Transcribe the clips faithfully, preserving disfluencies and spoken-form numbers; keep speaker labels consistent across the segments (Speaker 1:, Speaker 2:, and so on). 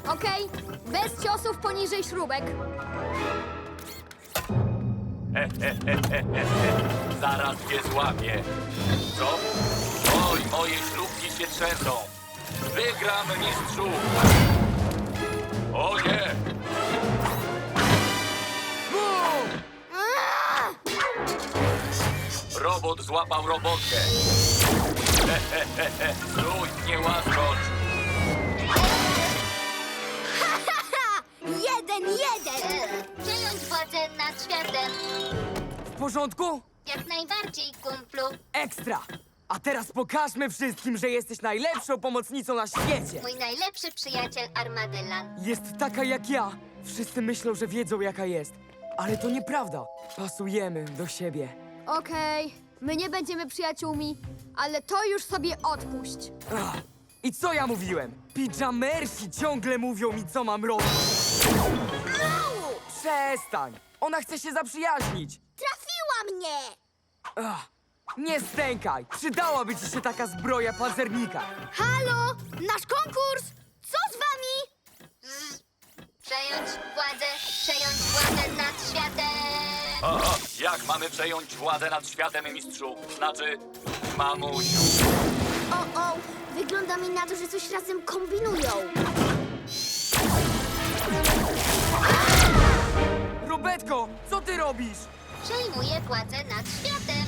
Speaker 1: Okej? Bez ciosów poniżej śrubek.
Speaker 2: Zaraz cię złapię. Co? Oj, moje śrubki się trzęsą. Wygram, mistrzu. O nie! Robot złapał robotkę. Stój, nie łaskocz.
Speaker 1: Jeden, jeden!
Speaker 3: Przejąć władzę nad światem.
Speaker 4: W porządku?
Speaker 3: Jak najbardziej, kumplu.
Speaker 4: Ekstra! A teraz pokażmy wszystkim, że jesteś najlepszą pomocnicą na świecie!
Speaker 3: Mój najlepszy przyjaciel Armadillan.
Speaker 4: Jest taka jak ja. Wszyscy myślą, że wiedzą jaka jest. Ale to nieprawda. Pasujemy do siebie.
Speaker 1: Okej, my nie będziemy przyjaciółmi, ale to już sobie odpuść.
Speaker 4: Ach, I co ja mówiłem? Pijamersi ciągle mówią mi, co mam robić. Przestań! Ona chce się zaprzyjaźnić.
Speaker 1: Trafiła mnie!
Speaker 4: Ach, nie stękaj! Przydałaby ci się taka zbroja pancernika.
Speaker 1: Halo! Nasz konkurs! Co z wami?
Speaker 3: Przejąć władzę, przejąć władzę nad światem.
Speaker 2: O, o, jak mamy przejąć władzę nad światem, mistrzu? Znaczy, mamusiu.
Speaker 1: O, o! Wygląda mi na to, że coś razem kombinują.
Speaker 4: Robetko, co ty robisz?
Speaker 3: Przejmuję władzę nad światem.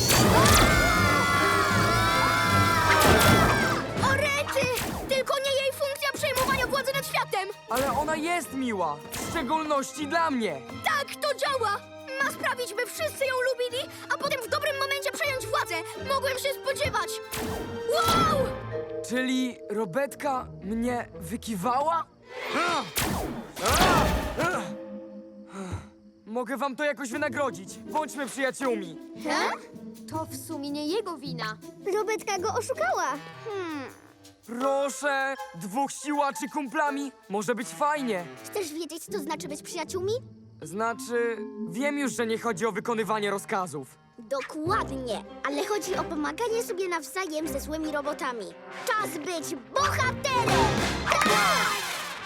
Speaker 1: O rety! Tylko nie jej funkcja przejmowania władzy nad światem!
Speaker 4: Ale ona jest miła. W szczególności dla mnie.
Speaker 1: Tak, to działa! Ma sprawić, by wszyscy ją lubili, a potem w dobrym momencie przejąć władzę. Mogłem się spodziewać. Wow!
Speaker 4: Czyli Robetka mnie wykiwała? Ah! Ah! Ah! Mogę wam to jakoś wynagrodzić. Bądźmy przyjaciółmi.
Speaker 1: He? To w sumie nie jego wina. Robetka go oszukała. Hmm.
Speaker 4: Proszę, dwóch siłaczy kumplami. Może być fajnie.
Speaker 1: Chcesz wiedzieć, co to znaczy być przyjaciółmi?
Speaker 4: Znaczy, wiem już, że nie chodzi o wykonywanie rozkazów.
Speaker 1: Dokładnie, ale chodzi o pomaganie sobie nawzajem ze złymi robotami. Czas być bohaterem! Tak!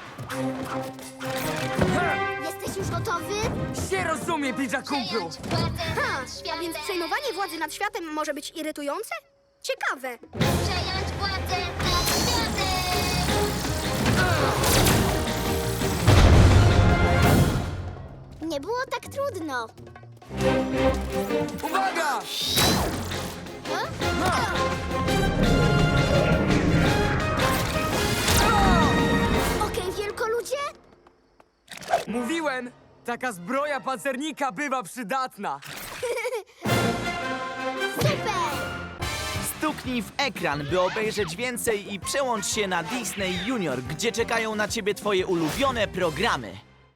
Speaker 1: Jesteś już gotowy?
Speaker 4: Się rozumie, pidża kumplu.
Speaker 3: Przejąć władzę
Speaker 1: Ha,
Speaker 3: nad światem.
Speaker 1: a więc przejmowanie władzy nad światem może być irytujące? Ciekawe.
Speaker 3: Przejąć władzę nad światem.
Speaker 1: Nie było tak trudno.
Speaker 4: Uwaga!
Speaker 1: Okej, wielkoludzie?
Speaker 4: Mówiłem, taka zbroja pancernika bywa przydatna.
Speaker 1: Super!
Speaker 5: Stuknij w ekran, by obejrzeć więcej i przełącz się na Disney Junior, gdzie czekają na ciebie twoje ulubione programy.